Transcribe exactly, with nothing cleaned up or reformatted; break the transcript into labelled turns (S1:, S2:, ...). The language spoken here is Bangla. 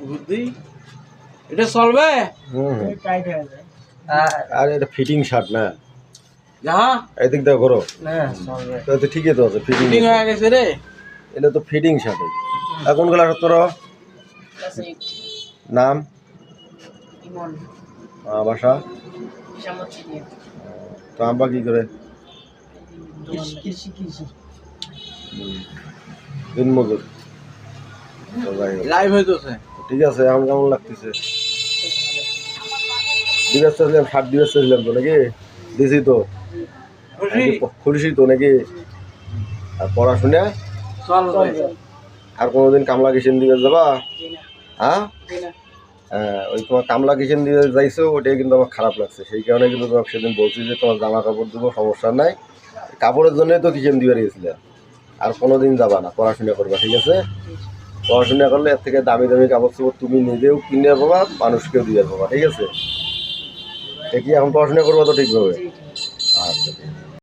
S1: বুদ্ধি এটা চলবে
S2: হুম
S3: টাইট হয়ে যায়
S2: আর এটা ফিটিং শার্ট না
S1: যাহা
S2: এদিক দেখো করো
S3: না চলবে
S2: তো তো ঠিকই তো আছে ফিটিং
S1: ফিটিং হয়ে গেছে রে
S2: এটা তো ফিটিং শার্ট এখন গুলা তোর নাম
S3: ইমন
S2: আহ, বাসা
S3: সামর্থ্য নিয়ে
S2: তো আব্বা কি করে
S3: কৃষি কৃষি
S2: দিন মজুর তো যাই হোক।
S1: লাইভ হইতেছে
S2: ঠিক আছে এখন কেমন লাগতেছে দিবস চাইছিলাম ষাট দিবস চাইছিলাম তো নাকি দিছি তো
S1: খুশি
S2: খুশি তো নাকি আর পড়াশোনা
S1: চলবে
S2: আর কোনোদিন কামলা কিষেন দিবে যাবা হ্যাঁ
S3: দিনা
S2: হ্যাঁ, ওই তোমার কামলা কিষেন দিয়ে যাইছো ওটাই কিন্তু আমার খারাপ লাগছে সেই কারণে কিন্তু তোমাকে সেদিন বলছি যে তোমার জামা কাপড় দেবো সমস্যা নাই কাপড়ের জন্যই তো কিষেন দিয়ে গেছিলে আর কোনোদিন যাবা না পড়াশোনা করবা ঠিক আছে পড়াশোনা করলে এর থেকে দামি দামি কাপড় চোপড় তুমি নিজেও কিনে পাবা মানুষকেও দিয়ে পাবা ঠিক আছে ঠিকই এখন পড়াশোনা করবা তো ঠিকভাবে